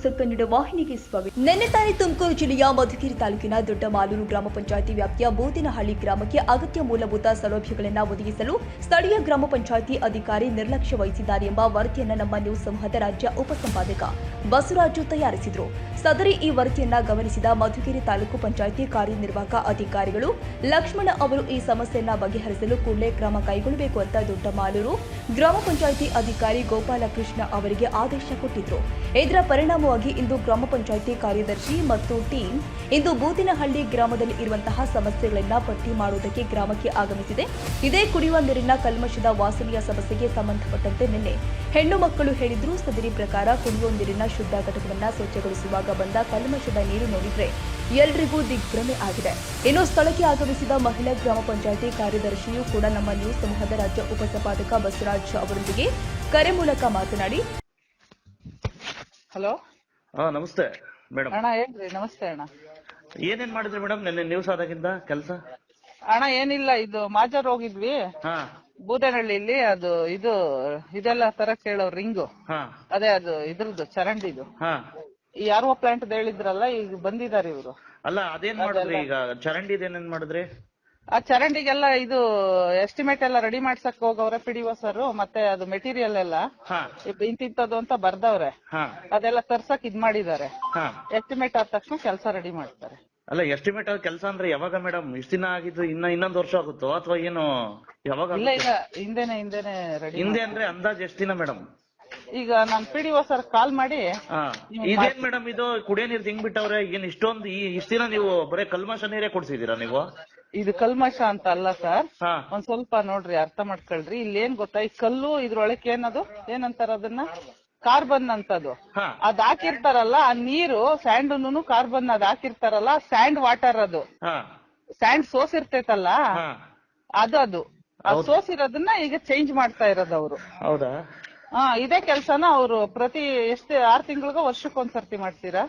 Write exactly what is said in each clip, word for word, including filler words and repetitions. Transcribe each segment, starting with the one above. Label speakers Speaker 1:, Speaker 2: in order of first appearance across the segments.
Speaker 1: News Kannada ವಾಹಿನಿಗೆ ಸ್ವಾಗತ. ನಿನ್ನೆ ತಾನೇ ತುಮಕೂರು ಜಿಲ್ಲೆಯ ಮಧುಗಿರಿ ತಾಲೂಕಿನ ದೊಡ್ಡಮಾಲೂರು ಗ್ರಾಮ ಪಂಚಾಯಿತಿ ವ್ಯಾಪ್ತಿಯ ಬೋದಿನಹಳ್ಳಿ ಗ್ರಾಮಕ್ಕೆ ಅಗತ್ಯ ಮೂಲಭೂತ ಸೌಲಭ್ಯಗಳನ್ನು ಒದಗಿಸಲು ಸ್ಥಳೀಯ ಗ್ರಾಮ ಪಂಚಾಯಿತಿ ಅಧಿಕಾರಿ ನಿರ್ಲಕ್ಷ್ಯ ವಹಿಸಿದ್ದಾರೆ ಎಂಬ ವರದಿಯನ್ನು ನಮ್ಮ ನ್ಯೂಸ್ ಸಮೂಹದ ರಾಜ್ಯ ಉಪಸಂಪಾದಕ ಬಸವರಾಜು ತಯಾರಿಸಿದರು. ಸದರಿ ಈ ವರದಿಯನ್ನ ಗಮನಿಸಿದ ಮಧುಗಿರಿ ತಾಲೂಕು ಪಂಚಾಯಿತಿ ಕಾರ್ಯನಿರ್ವಾಹಕ ಅಧಿಕಾರಿಗಳು ಲಕ್ಷ್ಮಣ ಅವರು ಈ ಸಮಸ್ಯೆಯನ್ನು ಬಗೆಹರಿಸಲು ಕೂಡಲೇ ಕ್ರಮ ಕೈಗೊಳ್ಳಬೇಕು ಅಂತ ದೊಡ್ಡಮಾಲೂರು ಗ್ರಾಮ ಪಂಚಾಯಿತಿ ಅಧಿಕಾರಿ ಗೋಪಾಲಕೃಷ್ಣ ಅವರಿಗೆ ಆದೇಶ ಕೊಟ್ಟಿದ್ರು. ಇದರ ಪರಿಣಾಮವಾಗಿ ಇಂದು ಗ್ರಾಮ ಪಂಚಾಯಿತಿ ಕಾರ್ಯದರ್ಶಿ ಮತ್ತು ಟೀಮ್ ಇಂದು ಬೂದಿನಹಳ್ಳಿ ಗ್ರಾಮದಲ್ಲಿ ಇರುವಂತಹ ಸಮಸ್ಯೆಗಳನ್ನು ಪಟ್ಟಿ ಮಾಡುವುದಕ್ಕೆ ಗ್ರಾಮಕ್ಕೆ ಆಗಮಿಸಿದೆ. ಇದೇ ಕುಡಿಯುವ ನೀರಿನ ಕಲ್ಮಶದ ವಾಸನೆಯ ಸಮಸ್ಯೆಗೆ ಸಂಬಂಧಪಟ್ಟಂತೆ ನಿನ್ನೆ ಹೆಣ್ಣು ಮಕ್ಕಳು ಹೇಳಿದ್ರು. ಸದರಿ ಪ್ರಕಾರ ಕುಡಿಯುವ ನೀರಿನ ಶುದ್ಧ ಘಟಕವನ್ನು ಸ್ವಚ್ಛಗೊಳಿಸುವಾಗ ಬಂದ ಕಲ್ಮಶದ ನೀರು ನೋಡಿದ್ರೆ ಎಲ್ರಿಗೂ ದಿಗ್ಭ್ರಮೆ ಆಗಿದೆ. ಇನ್ನು ಸ್ಥಳಕ್ಕೆ ಆಗಮಿಸಿದ ಮಹಿಳಾ ಗ್ರಾಮ ಪಂಚಾಯಿತಿ ಕಾರ್ಯದರ್ಶಿಯೂ ಕೂಡ ನಮ್ಮ ನ್ಯೂಸ್ ಸಮೂಹದ ರಾಜ್ಯ ಉಪಸಂಪಾದಕ ಬಸವರಾಜ್ ಅವರೊಂದಿಗೆ ಕರೆ ಮೂಲಕ ಮಾತನಾಡಿ,
Speaker 2: ಹಲೋ
Speaker 3: ಹಾ ನಮಸ್ತೆ ಮೇಡಮ್.
Speaker 2: ಅಣ್ಣ ಹೇಳ್ರಿ. ನಮಸ್ತೆ ಅಣ್ಣ.
Speaker 3: ಏನೇನ್ ಮಾಡಿದ್ರಿ ಮೇಡಮ್ ನಿನ್ನೆ ನ್ಯೂಸ್ ಆದಾಗಿಂದ ಕೆಲಸ?
Speaker 2: ಅಣ್ಣ ಏನಿಲ್ಲ, ಇದು ಮಾಜಾರ್ ಹೋಗಿದ್ವಿ
Speaker 3: ಹಾ
Speaker 2: ಬೂದನಹಳ್ಳಿಲಿ. ಅದು ಇದು ಇದೆಲ್ಲ ತರ ಕೇಳೋ ರಿಂಗು,
Speaker 3: ಹಾ
Speaker 2: ಅದೇ ಅದು ಇದ್ರದ್ದು ಚರಂಡಿದು
Speaker 3: ಹಾ
Speaker 2: ಈ ಆರ್ ಒ ಪ್ಲಾಂಟ್ ಹೇಳಿದ್ರಲ್ಲ, ಈಗ ಬಂದಿದ್ದಾರೆ ಇವರು.
Speaker 3: ಅಲ್ಲ ಅದೇನ್ ಮಾಡಿದ್ರಿ ಈಗ? ಚರಂಡಿ ಏನೇನ್ ಮಾಡಿದ್ರಿ?
Speaker 2: ಆ ಚರಂಡಿಗೆಲ್ಲ ಇದು ಎಸ್ಟಿಮೇಟ್ ಎಲ್ಲ ರೆಡಿ ಮಾಡ್ಸಕ್ ಹೋಗವ್ರೆ ಪಿ ಡಿ ಒ ಸರ್. ಮತ್ತೆ ಅದು ಮೆಟೀರಿಯಲ್ ಎಲ್ಲ
Speaker 3: ಹಾ
Speaker 2: ಇಂತಿಂತದ್ದು ಅಂತ ಬರ್ದವ್ರೆ.
Speaker 3: ಹಾ
Speaker 2: ಅದೆಲ್ಲ ತರ್ಸಕ್ ಇದ್ ಮಾಡಿದ್ದಾರೆ.
Speaker 3: ಹಾ
Speaker 2: ಎಸ್ಟಿಮೇಟ್ ಆದ ತಕ್ಷಣ ಕೆಲಸ ರೆಡಿ ಮಾಡ್ತಾರೆ.
Speaker 3: ಅಲ್ಲ ಎಸ್ಟಿಮೇಟ್ ಆದ ಕೆಲಸ ಅಂದ್ರೆ ಯಾವಾಗ ಮೇಡಮ್? ಇಷ್ಟ ದಿನ ಆಗಿದ್ದು ಇನ್ನ ಇನ್ನೊಂದ್ ವರ್ಷ ಆಗುತ್ತೋ ಅಥವಾ ಏನು? ಯಾವಾಗ?
Speaker 2: ಇಲ್ಲ ಇಲ್ಲ, ಹಿಂದೆನೆ ಹಿಂದೆನೆ ರೆಡಿ.
Speaker 3: ಹಿಂದೆ ಅಂದ್ರೆ ಅಂದಾಜ್ ಎಷ್ಟ್ ದಿನ ಮೇಡಮ್?
Speaker 2: ಈಗ ನಾನ್ P D O sir call ಮಾಡಿ,
Speaker 3: ಹಾ ಇದೇನ್ ಮೇಡಮ್ ಇದು ಕುಡಿಯೋ ನೀರ್ ತಿಂಗ್ ಬಿಟ್ಟವ್ರೆ. ಏನ್ ಇಷ್ಟೊಂದು ಈ ಇಷ್ಟ ದಿನ ನೀವು ಬರೀ ಕಲ್ಮಶ ನೀರೇ ಕೊಡ್ಸಿದೀರಾ ನೀವು?
Speaker 2: ಇದು ಕಲ್ಮಶ ಅಂತ ಅಲ್ಲ ಸರ್,
Speaker 3: ಹಾ
Speaker 2: ಒಂದ್ ಸ್ವಲ್ಪ ನೋಡ್ರಿ, ಅರ್ಥ ಮಾಡ್ಕೊಳ್ರಿ. ಇಲ್ಲಿ ಏನ್ ಗೊತ್ತಾ, ಈ ಕಲ್ಲು ಇದ್ರೊಳಗೆ ಏನದು ಏನಂತಾರ ಅದನ್ನ, ಕಾರ್ಬನ್ ಅಂತದು.
Speaker 3: ಹಾ
Speaker 2: ಅದ್ ಹಾಕಿರ್ತಾರಲ್ಲ ಆ ನೀರು, ಸ್ಯಾಂಡ್ ಕಾರ್ಬನ್ ಅದ್ ಹಾಕಿರ್ತಾರಲ್ಲ, ಸ್ಯಾಂಡ್ ವಾಟರ್ ಅದು.
Speaker 3: ಹಾ
Speaker 2: ಸ್ಯಾಂಡ್ ಸೋಸಿರ್ತೈತಲ್ಲ,
Speaker 3: ಹಾ
Speaker 2: ಅದು ಅದು ಅದ್ ಸೋಸಿರೋದನ್ನ ಈಗ ಚೇಂಜ್ ಮಾಡ್ತಾ ಇರೋದು ಅವರು.
Speaker 3: ಹೌದಾ?
Speaker 2: ಹಾ ಇದೇ ಕೆಲ್ಸನ ಅವರು ಪ್ರತಿ ಎಷ್ಟು ಆರ್ ತಿಂಗಳಿಗ ವರ್ಷಕ್ಕೊಂದ್ಸರ್ತಿ ಮಾಡ್ತೀರಾ?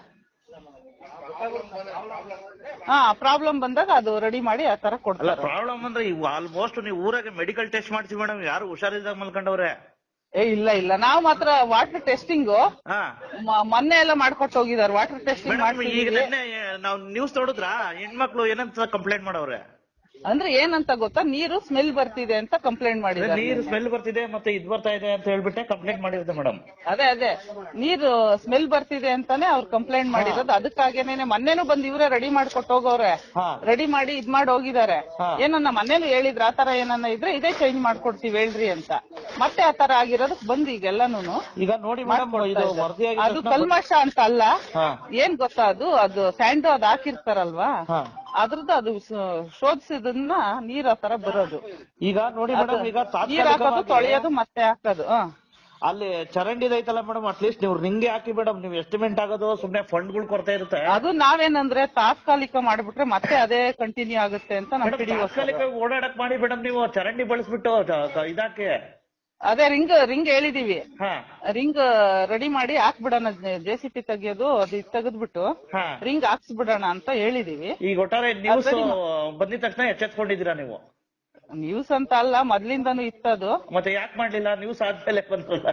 Speaker 2: ಹಾ ಪ್ರಾಬ್ಲಮ್ ಬಂದಾಗ ಅದು ರೆಡಿ ಮಾಡಿ ಆ ತರ
Speaker 3: ಅಲ್ಲ
Speaker 2: ಕೊಡ್ತಾರೆ.
Speaker 3: ಪ್ರಾಬ್ಲಮ್ ಅಂದ್ರೆ ಇವು ಆಲ್ಮೋಸ್ಟ್ ನೀವು ಊರಾಗೆ ಮೆಡಿಕಲ್ ಟೆಸ್ಟ್ ಮಾಡ್ತೀವಿ ಮೇಡಮ್. ಯಾರು ಹುಷಾರಿಲ್ದಾಗ ಮಲ್ಕೊಂಡವ್ರೆ?
Speaker 2: ಏ ಇಲ್ಲ ಇಲ್ಲ, ನಾವು ಮಾತ್ರ ವಾಟರ್ ಟೆಸ್ಟಿಂಗ್
Speaker 3: ಹಾ
Speaker 2: ಮೊನ್ನೆ ಎಲ್ಲ ಮಾಡ್ಕೊಟ್ಟು ಹೋಗಿದಾರೆ. ವಾಟರ್ ಟೆಸ್ಟಿಂಗ್
Speaker 3: ಮೇಡಮ್ ಈಗ
Speaker 2: ಮಾಡ್ತೀವಿ.
Speaker 3: ನಿನ್ನೆ ನಾವು ನ್ಯೂಸ್ ನೋಡಿದ್ರ ಹೆಣ್ಮಕ್ಳು ಏನಂತ ಕಂಪ್ಲೇಂಟ್ ಮಾಡವ್ರೆ?
Speaker 2: ಅಂದ್ರೆ ಏನಂತ ಗೊತ್ತಾ, ನೀರು ಸ್ಮೆಲ್ ಬರ್ತಿದೆ ಅಂತ ಕಂಪ್ಲೇಂಟ್ ಮಾಡಿದ್ದಾರೆ.
Speaker 3: ನೀರು ಸ್ಮೆಲ್ ಬರ್ತಿದೆ ಮತ್ತೆ ಇದ್ ಬರ್ತಾ ಇದೆ ಅಂತ ಹೇಳ್ಬಿಟ್ಟೆ ಕಂಪ್ಲೇಂಟ್ ಮಾಡಿರುತ್ತೆ ಮೇಡಮ್.
Speaker 2: ಅದೇ ಅದೇ ನೀರು ಸ್ಮೆಲ್ ಬರ್ತಿದೆ ಅಂತಾನೆ ಅವ್ರು ಕಂಪ್ಲೇಂಟ್ ಮಾಡಿರೋದು. ಅದಕ್ಕಾಗೇನೆ ಮೊನ್ನೆನೂ ಬಂದ್ ಇವರೇ ರೆಡಿ ಮಾಡ್ಕೊಟ್ಟು ಹೋಗವ್ರೆ.
Speaker 3: ಹಾ
Speaker 2: ರೆಡಿ ಮಾಡಿ ಇದ್ ಮಾಡಿ ಹೋಗಿದ್ದಾರೆ.
Speaker 3: ಹಾ.
Speaker 2: ಏನನ್ನ ಮನೇಲಿ ಹೇಳಿದ್ರ ಆತರ ಏನನ್ನ ಇದ್ರೆ ಇದೇ ಚೇಂಜ್ ಮಾಡ್ಕೊಡ್ತೀವಿ ಹೇಳ್ರಿ ಅಂತ. ಮತ್ತೆ ಆತರ ಆಗಿರೋದಕ್ ಬಂದ್ ಈಗೆಲ್ಲಾನು
Speaker 3: ಈಗ ನೋಡಿ ಮೇಡಮ್, ಇದು ವರದಿ
Speaker 2: ಅದು ಕಲ್ಮಶ ಅಂತ ಅಲ್ಲ.
Speaker 3: ಹಾ
Speaker 2: ಏನ್ ಗೊತ್ತಾ, ಅದು ಅದು ಸ್ಯಾಂಡ್ ಅದ್ ಹಾಕಿರ್ತಾರಲ್ವಾ,
Speaker 3: ಹಾ
Speaker 2: ಅದ್ರದ್ದು ಅದು ಶೋಧಿಸಿದನ್ನ ನೀರ್ ಆ ತರ ಬರೋದು.
Speaker 3: ಈಗ ನೋಡಿ ಮೇಡಮ್, ಈಗ
Speaker 2: ನೀರ್ ಹಾಕೋದು,
Speaker 3: ತಾತ್ಕಾಲಿಕವಾಗಿ
Speaker 2: ತೊಳೆಯೋದು, ಮತ್ತೆ ಹಾಕೋದು. ಹ
Speaker 3: ಅಲ್ಲಿ ಚರಂಡಿ ಐತಲ್ಲ ಮೇಡಮ್, ಅಟ್ಲೀಸ್ಟ್ ನೀವು ರಿಂಗೆ ಹಾಕಿ ಮೇಡಮ್. ನೀವು ಎಸ್ಟಿಮೇಟ್ ಆಗೋದು ಸುಮ್ನೆ ಫಂಡ್ಗಳು ಕೊಡ್ತಾ ಇರುತ್ತೆ.
Speaker 2: ಅದು ನಾವೇನಂದ್ರೆ ತಾತ್ಕಾಲಿಕ ಮಾಡ್ಬಿಟ್ರೆ ಮತ್ತೆ ಅದೇ ಕಂಟಿನ್ಯೂ ಆಗುತ್ತೆ ಅಂತ ನಮ್ ಪಿ ಡಿ ಒ ಸರ್.
Speaker 3: ತಾತ್ಕಾಲಿಕ ಓಡಾಡಕ್ ಮಾಡಿ ಮೇಡಮ್, ನೀವು ಚರಂಡಿ ಬಳಸ್ಬಿಟ್ಟು ಇದಾಕೆ.
Speaker 2: ಅದೇ ರಿಂಗ್ ರಿಂಗ್ ಹೇಳಿದೀವಿ.
Speaker 3: ಹಾ
Speaker 2: ರಿಂಗ್ ರೆಡಿ ಮಾಡಿ ಹಾಕ್ಬಿಡೋಣ, ಜೆ ಸಿ ಪಿ ತೆಗಿಯೋದು ಅದು ತೆಗೆದ್ಬಿಟ್ಟು
Speaker 3: ಹಾ
Speaker 2: ರಿಂಗ್ ಹಾಕ್ಸ್ಬಿಡೋಣ ಅಂತ ಹೇಳಿದೀವಿ.
Speaker 3: ಈಗ ಒಟ್ಟಾರೆ ನ್ಯೂಸ್ ಬಂದಿದ ತಕ್ಷಣ ಎಚ್ಚೆತ್ಕೊಂಡಿದ್ದೀರಾ ನೀವು?
Speaker 2: ನ್ಯೂಸ್ ಅಂತ ಅಲ್ಲ, ಮೊದ್ಲಿಂದಾನು ಇತ್ತದು.
Speaker 3: ಮತ್ತೆ ಯಾಕೆ ಮಾಡ್ಲಿಲ್ಲ? ನ್ಯೂಸ್ ಆದ್ಮೇಲೆ ಬಂದ್ರಲ್ಲ.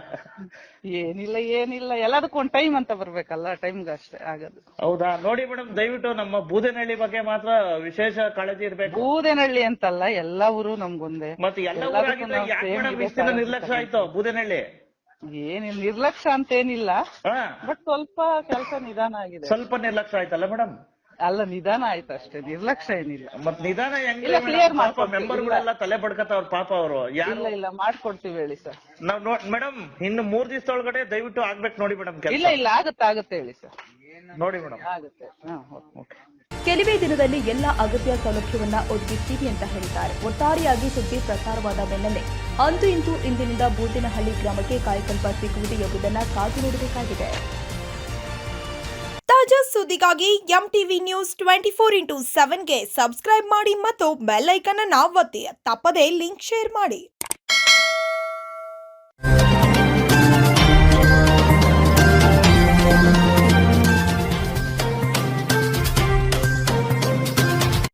Speaker 2: ಏನಿಲ್ಲ ಏನಿಲ್ಲ, ಎಲ್ಲದಕ್ಕೂ ಒಂದ್ ಟೈಮ್ ಅಂತ ಬರ್ಬೇಕಲ್ಲ, ಟೈಮ್ಗೆ ಅಷ್ಟೇ ಆಗೋದು.
Speaker 3: ಹೌದಾ? ನೋಡಿ ಮೇಡಮ್, ದಯವಿಟ್ಟು ನಮ್ಮ ಬೂದನಹಳ್ಳಿ ಬಗ್ಗೆ ಮಾತ್ರ ವಿಶೇಷ ಕಾಳಜಿ ಇರ್ಬೇಕು.
Speaker 2: ಬೂದನಹಳ್ಳಿ ಅಂತಲ್ಲ, ಎಲ್ಲಾ ಊರು ನಮ್ಗೊಂದೇ.
Speaker 3: ಮತ್ತೆ ಎಲ್ಲ ಊರಾಗಿದ್ರೆ ಯಾಕೆ ಮೇಡಮ್ ಇಷ್ಟ್ ದಿನ ನಿರ್ಲಕ್ಷ್ಯ ಆಯ್ತು ಬೂದನಹಳ್ಳಿ?
Speaker 2: ಏನಿಲ್ಲ, ನಿರ್ಲಕ್ಷ್ಯ ಅಂತೇನಿಲ್ಲ,
Speaker 3: ಹಾ
Speaker 2: ಬಟ್ ಸ್ವಲ್ಪ ಕೆಲಸ ನಿಧಾನ ಆಗಿದೆ.
Speaker 3: ಸ್ವಲ್ಪ ನಿರ್ಲಕ್ಷ್ಯ ಆಯ್ತಲ್ಲ ಮೇಡಮ್?
Speaker 2: ಅಲ್ಲ, ನಿಧಾನ ಆಯ್ತು ಅಷ್ಟೇ, ನಿರ್ಲಕ್ಷ್ಯ ಏನಿಲ್ಲ.
Speaker 3: ಮತ್ ನಿಧಾನ
Speaker 2: ಇಲ್ಲ, clear
Speaker 3: ಹೆಂಗ್
Speaker 2: ಮಾಡ್ಕೊಡ್ತೀವಿ.
Speaker 3: ಮೆಂಬರ್ಗಳೆಲ್ಲ ತಲೆ ಬಡ್ಕತ್ತವ್ರ ಪಾಪ ಅವರು.
Speaker 2: ಇಲ್ಲ ಇಲ್ಲ, ಮಾಡ್ಕೊಡ್ತೀವಿ ಹೇಳಿ ಸರ್.
Speaker 3: ನಾವ್ ಮೇಡಮ್ ಇನ್ನು ಮೂರ್ ದಿವಸದೊಳಗಡೆ ದಯವಿಟ್ಟು ಆಗ್ಬೇಕು ನೋಡಿ ಮೇಡಮ್
Speaker 2: ಇಲ್ಲ
Speaker 3: ಕೆಲಸ.
Speaker 2: ಇಲ್ಲ, ಆಗುತ್ತೆ ಆಗುತ್ತೆ ಹೇಳಿ ಸರ್,
Speaker 3: ನೋಡಿ ಮೇಡಮ್.
Speaker 2: ಆಗುತ್ತೆ. ಹಾ ಓಕೆ.
Speaker 1: ಕೆಲವೇ ದಿನದಲ್ಲಿ ಎಲ್ಲ ಅಗತ್ಯ ಸೌಲಭ್ಯವನ್ನ ಒದಗಿಸ್ತೀವಿ ಅಂತ ಹೇಳಿದ್ದಾರೆ. ಒಟ್ಟಾರೆಯಾಗಿ ಸುದ್ದಿ ಪ್ರಸಾರವಾದ ಬೆನ್ನಲ್ಲೇ ಅಂತೂ ಇಂತೂ ಇಂದಿನಿಂದ ಬೂದಿನಹಳ್ಳಿ ಗ್ರಾಮಕ್ಕೆ ಕಾಯಕಲ್ಪ ಸಿಗುವುದು ಎಂಬುದನ್ನು ಕಾದು ನೋಡಬೇಕಾಗಿದೆ. ತಾಜಾ ಸುದ್ದಿಗಾಗಿ M TV news twenty four into ಸೆವೆನ್ಗೆ ಸಬ್ಸ್ಕ್ರೈಬ್ ಮಾಡಿ ಮತ್ತು ಬೆಲ್ ಐಕನ್ ಅನ್ನು ಒತ್ತಿ. ತಪ್ಪದೇ ಲಿಂಕ್ ಶೇರ್ ಮಾಡಿ.